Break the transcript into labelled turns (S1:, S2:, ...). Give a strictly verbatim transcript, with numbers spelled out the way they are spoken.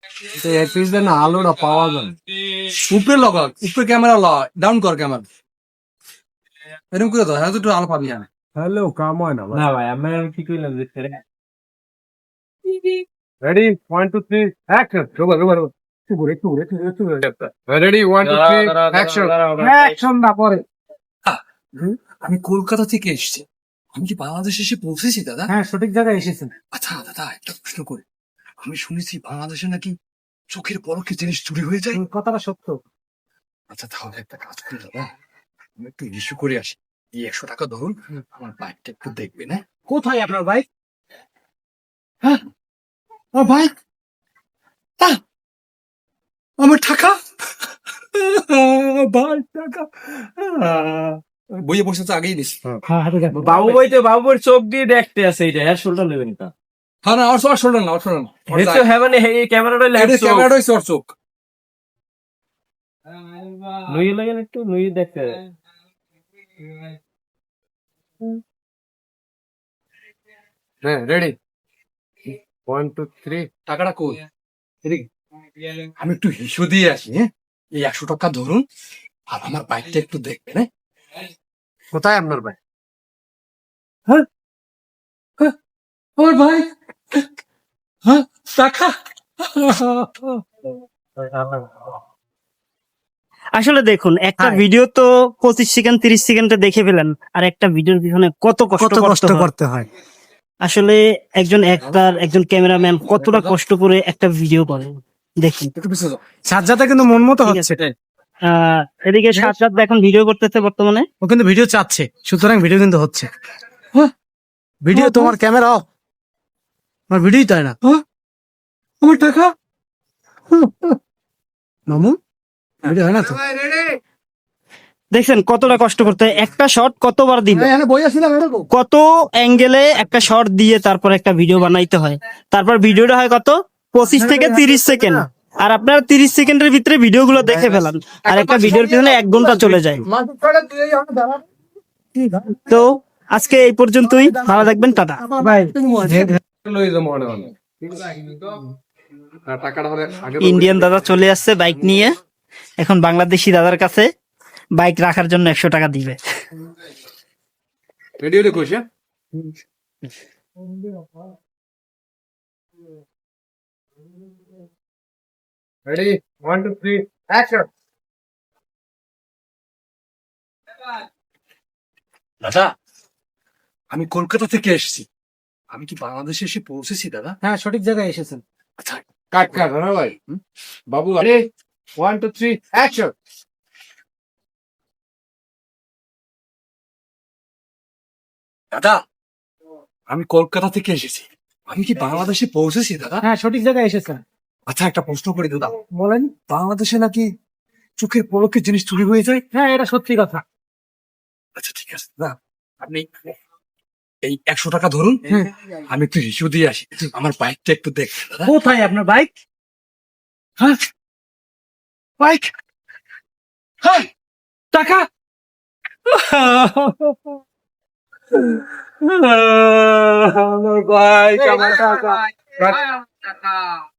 S1: এক পিস দেন না, আলোটা পাওয়া যায় উপরে লগা, উপরে ক্যামেরা ল, ডাউন কর ক্যামেরা, এরকম করে তো হ্যাঁ একটু আলো পাবি। হ্যাঁ হ্যালো, কাম হয় না
S2: না ভাই আমি কি কইলাম যে
S1: ready one two three action. রোবা রোবা রোবা একটু ঘুরে একটু ঘুরে একটু ঘুরে একটু ঘুরে ready one two three action. Action না পরে। আমি কলকাতা থেকে এসেছি, আমি কি বাংলাদেশে এসে পৌঁছেছি দাদা?
S3: হ্যাঁ সঠিক জায়গায় এসেছেন।
S1: আচ্ছা দাদা একটা প্রশ্ন করি, আমি শুনেছি বাংলাদেশে নাকি চোখের পলকে জিনিস চুরি হয়ে যায়।
S3: কথাটা সত্য।
S1: আচ্ছা তাহলে একটা কাজ করি দাদা, আমি একটু ইস্যু করে আসি, এই একশো টাকা ধরুন, আমার বাইকটা একটু দেখবেন। হ্যাঁ
S3: কোথায় আপনার বাইক?
S1: হ্যাঁ আমার বাইক, আহ, আমার টাকা, বাইক টাকা, আহ, বইয়ে বসে তো আগেই নিস।
S3: হ্যাঁ হাতে দেন।
S2: বাবু ভাই তো বাবু ভাইয়ের চোখ দিয়ে দেখতে আছে এটা হেয়ার শোল্ডার নেবেন তা
S1: হ্যাঁ না আর আর শোনেন না, আর শোনেন না,
S2: হেডসো হ্যাঁ মানে এই ক্যামেরাটা ল্যান্ড চোখ
S1: ক্যামেরাটা হচ্ছে ওর চোখ।
S2: নুই লাগেন একটু নুই দেখতে
S1: হ্যাঁ রেডি ওয়ান টু থ্রি টাকাটা কই এদিকে, আমি একটু হিসু দিয়ে আসি। হ্যাঁ এই একশো টাকা ধরুন, আর আমার বাইকটা একটু দেখবেন। হ্যাঁ কোথায় আপনার বাইক? হ্যাঁ হ্যাঁ, আমার বাইক, হ্যাঁ টাকা।
S4: আসলে দেখুন একটা
S3: হ্যাঁ।
S4: ভিডিও তো পঁচিশ সেকেন্ড তিরিশ সেকেন্ডে দেখে ফেলেন, আর একটা ভিডিওর পিছনে কত কষ্ট
S3: কত কষ্ট
S4: করতে হয়।
S3: করতে হয়।
S4: আসলে একজন অ্যাক্টর একজন ক্যামেরাম্যান কতটা কষ্ট করে একটা ভিডিও করে দেখুন।
S1: একটু পিছিয়ে যাও।
S3: সাজ্জাদা কিন্তু মন মতো
S4: ঠিক
S3: হচ্ছে।
S4: আহ এদিকে সাজ্জাদ এখন ভিডিও করতেছে বর্তমানে।
S3: ও কিন্তু ভিডিও চাচ্ছে, সুতরাং ভিডিও কিন্তু হচ্ছে।
S1: হ্যাঁ,
S3: ভিডিও
S1: হ্যাঁ,
S3: তোমার ক্যামেরা অফ, আমার ভিডিওই তাই না।
S1: হ্যাঁ, আমার টাকা।
S3: মামু ভিডিও হয় না তো।
S4: দেখছেন কতটা কষ্ট করতে হয়, একটা শট কতবার দিল,
S1: এখানে বই আসছিলাম এরকম।
S4: কত অ্যাঙ্গেলে একটা শট দিয়ে তারপর একটা ভিডিও বানাইতে হয়। তারপর ভিডিওটা হয় কত পঁচিশ থেকে তিরিশ সেকেন্ড, আর আপনারা তিরিশ সেকেন্ডের ভিতরে ভিডিও গুলো দেখে ফেলান, আর একটা ভিডিওর পিছনে এক ঘন্টা চলে যায়। তো আজকে এই পর্যন্তই, ভালো থাকবেন, টাটা।
S3: ভাই
S1: লই যাবো মনে মনে। আর টাকাটা হলে আগে
S4: ইন্ডিয়ান দাদা চলে আসছে বাইক নিয়ে, এখন বাংলাদেশি দাদার কাছে বাইক রাখার জন্য একশো টাকা দিবে।
S1: রেডিও রে কোশ। Ready one two three action. দাদা আমি কলকাতা থেকে এসেছি, আমি কি বাংলাদেশে এসে পৌঁছেছি দাদা?
S3: হ্যাঁ সঠিক জায়গায় এসেছেন।
S1: আচ্ছা কাট কাট না ভাই। হুম? বাবু আরে ওয়ান টু থ্রি অ্যাকশন। দাদা আমি কলকাতা থেকে এসেছি, আমি কি বাংলাদেশে পৌঁছেছি দাদা?
S3: হ্যাঁ সঠিক জায়গায় এসেছেন।
S1: আচ্ছা একটা প্রশ্ন করি দাদা,
S3: বলেন।
S1: বাংলাদেশে নাকি চোখের পলকে জিনিস চুরি হয়ে যায়।
S3: হ্যাঁ এটা সত্যি কথা।
S1: আচ্ছা ঠিক আছে দাদা, আপনি এই একশো টাকা ধরুন, আমি একটু হিসু দিয়ে আসি, আমার বাইকটা একটু দেখবেন দাদা।
S3: কোথায় আপনার বাইক?
S1: হ্যাঁ বাইক, হ্যাঁ টাকা। আমার বাইক, আমার টাকা।